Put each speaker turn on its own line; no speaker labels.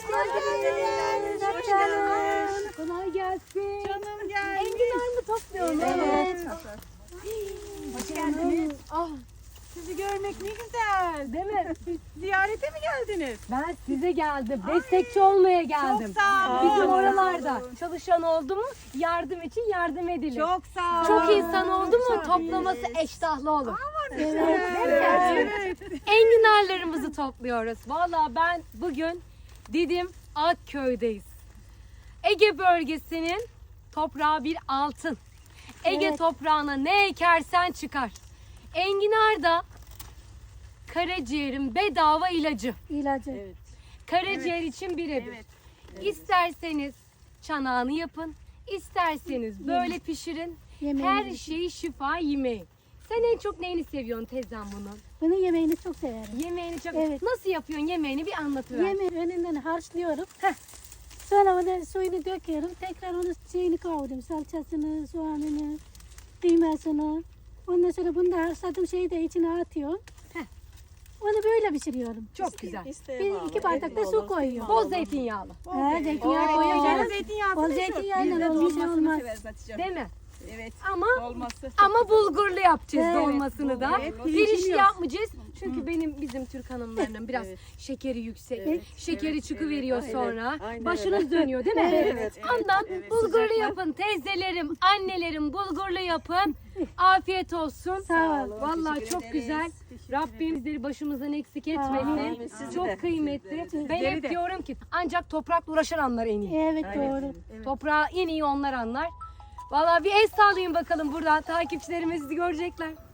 geldiniz.
Hoş geldiniz. Kolay gelsin.
Canım geldi.
Enginar mı topluyorsun?
Evet.
Hoş geldiniz.
Ah, sizi görmek ne güzel.
Değil mi?
Ziyarete mi geldiniz?
Ben size geldim. Destekçi olmaya geldim.
Çok sağ olun.
Bizim oralarda çalışan oldu mu yardım için yardım edilir.
Çok sağ olun.
Çok insan oldu mu toplaması eştahlı olur.
Evet.
Enginarlarımızı topluyoruz. Vallahi ben bugün Didim Akköy'deyiz. Ege bölgesinin toprağı bir altın. Ege toprağına ne ekersen çıkar. Enginar da karaciğerin bedava ilacı.
İlacı.
Evet.
Karaciğer için birebir.
Evet.
İsterseniz çanağını yapın, isterseniz böyle pişirin. Her şeyi şifa yemeği. Sen en çok neyini seviyorsun teyzem bunun?
Bunun yemeğini çok severim.
Yemeğini çok...
Evet.
Nasıl yapıyorsun yemeğini bir anlatıver.
Yemeği önünden harçlıyorum. Sonra onu suyunu döküyorum. Tekrar onu şeyini kavuruyorum. Salçasını, soğanını, kıymasını. Ondan sonra bunu da harçladığım şeyi de içine atıyorum. Onu böyle pişiriyorum.
Çok güzel.
Bir iki bardak da su koyuyorum.
Bol zeytinyağlı.
Zeytinyağı
Canım
koyuyorum.
zeytinyağı.
Bol zeytinyağıyla olmuş olmaz.
Değil mi?
Evet.
Ama
Olması.
ama bulgurlu yapacağız
Evet.
dolmasını da.
Evet,
Pirinçli
pirinçli
yapmayacağız. Çünkü bizim Türk hanımlarının biraz şekeri yüksek. Şekeri çıkıveriyor sonra. Başınız dönüyor değil mi?
Evet,
Ondan
evet.
bulgurlu yapın teyzelerim, annelerim bulgurlu yapın. Afiyet olsun.
Sağ ol.
Vallahi
Teşekkür
çok
ederiz.
güzel.
Teşekkür
Rabbim bizleri başımızdan eksik
Amin.
etmesin.
Sizi de.
Çok kıymetli. Ben
Sizleri
hep
de.
diyorum ki ancak toprakla uğraşan anlar en iyi.
Evet doğru.
Toprağı en iyi onlar anlar. Vallahi bir el sallayın bakalım buradan. Takipçilerimiz sizi görecekler.